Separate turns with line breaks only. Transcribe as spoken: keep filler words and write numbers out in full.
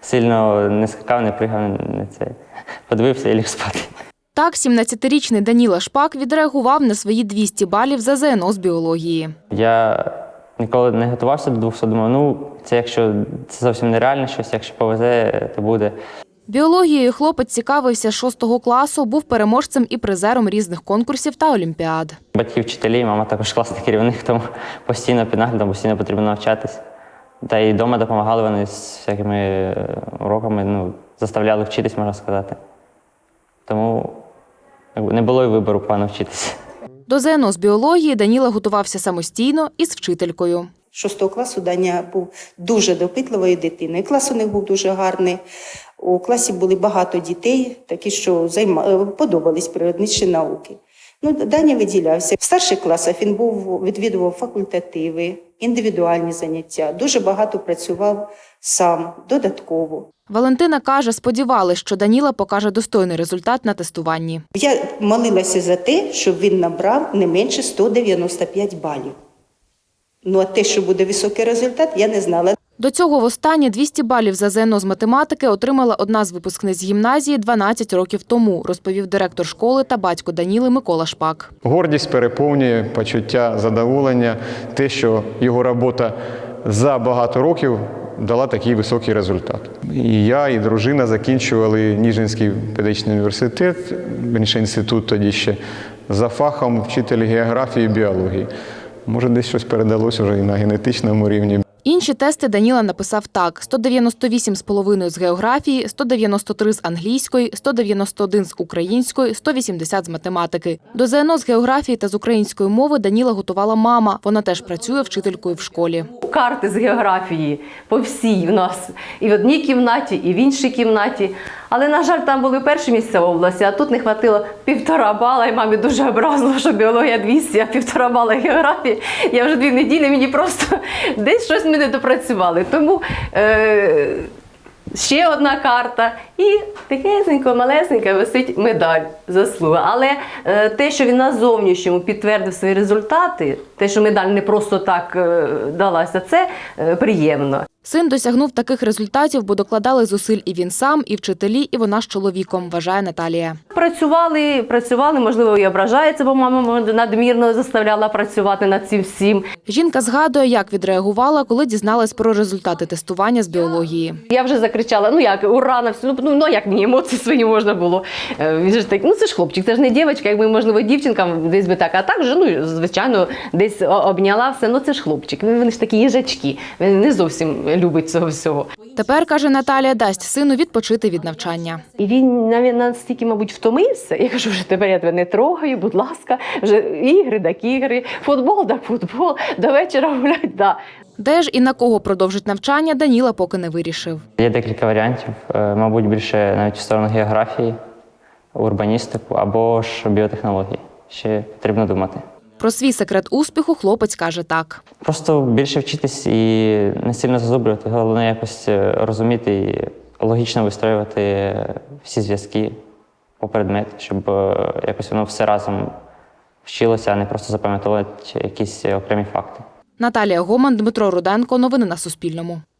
сильно не скакав, не пригав, не це. Подивився і ліг спати.
Так, сімнадцятирічний Даніла Шпак відреагував на свої двісті балів за зе ен о з біології.
Я ніколи не готувався до двохсот, думав, ну, це якщо це зовсім нереально щось, якщо повезе, то буде.
Біологією хлопець цікавився з шостого класу, був переможцем і призером різних конкурсів та олімпіад.
Батьки, вчителі, мама також класний керівник, тому постійно під наглядом, постійно потрібно навчатись. Та і вдома допомагали вони з всякими уроками, ну, заставляли вчитись, можна сказати. Тому не було й вибору погано вчитися.
До зе ен о з біології Даніла готувався самостійно і з вчителькою.
Шостого класу Даня був дуже допитливою дитиною. Клас у них був дуже гарний. У класі були багато дітей, такі, що займа... подобались природничі науки. Ну, Даня виділявся. В старших класах він був, відвідував факультативи, індивідуальні заняття. Дуже багато працював сам, додатково.
Валентина каже, сподівалась, що Даніла покаже достойний результат на тестуванні.
Я молилася за те, щоб він набрав не менше сто дев'яносто п'ять балів. Ну, а те, що буде високий результат, я не знала.
До цього востаннє двісті балів за зе ен о з математики отримала одна з випускниць гімназії дванадцять років тому, розповів директор школи та батько Даніли Микола Шпак.
Гордість переповнює, почуття задоволення, те, що його робота за багато років дала такий високий результат. І я, і дружина закінчували Ніжинський педагогічний університет, більше інститут тоді ще, за фахом вчитель географії і біології. Може, десь щось передалося вже і на генетичному рівні.
Інші тести Даніла написав так: сто дев'яносто вісім з половиною з географії, сто дев'яносто три з англійської, сто дев'яносто один з української, сто вісімдесят з математики. До зе ен о з географії та з української мови Даніла готувала мама. Вона теж працює вчителькою в школі.
Карти з географії по всій в нас. І в одній кімнаті, і в іншій кімнаті. Але, на жаль, там були перші місця в області, а тут не хватило півтора бала. І мамі дуже образило, що біологія двісті, а півтора бала географії. Я вже дві неділі, мені просто десь щось ми не допрацювали. Тому е ще одна карта і такесенько, малесенька висить медаль заслуга. Але е, те, що він на зовнішньому підтвердив свої результати, те, що медаль не просто так е, далася, це е, приємно.
Син досягнув таких результатів, бо докладали зусиль і він сам, і вчителі, і вона з чоловіком, вважає Наталія.
Працювали, працювали, можливо, і ображається, бо мама надмірно заставляла працювати над цим всім.
Жінка згадує, як відреагувала, коли дізналась про результати тестування з біології.
Я вже закричала, ну як, ура, на всю, ну, ну як мені емоції свої можна було. Він же так, ну це ж хлопчик, це ж не дівчинка, якби, можливо, дівчинка десь би так, а так же, ну, звичайно, десь обняла все, ну це ж хлопчик, вони ж такі їжачки, він не зовсім любить цього всього.
Тепер, каже Наталія, дасть сину відпочити від навчання.
І він навіть настільки, мабуть, втомився. Я кажу, вже тепер я тебе не трогаю, будь ласка, вже ігри так ігри, футбол так футбол, до вечора гулять, да.
Де ж і на кого продовжить навчання, Даніла поки не вирішив.
Є декілька варіантів, мабуть, більше навіть в сторону географії, урбаністику або ж біотехнології. Ще потрібно думати.
Про свій секрет успіху хлопець каже так.
Просто більше вчитись і не сильно зазубрювати. Головне якось розуміти і логічно вистроювати всі зв'язки по предмету, щоб якось воно все разом вчилося, а не просто запам'ятовувати якісь окремі факти.
Наталія Гоман, Дмитро Руденко. Новини на Суспільному.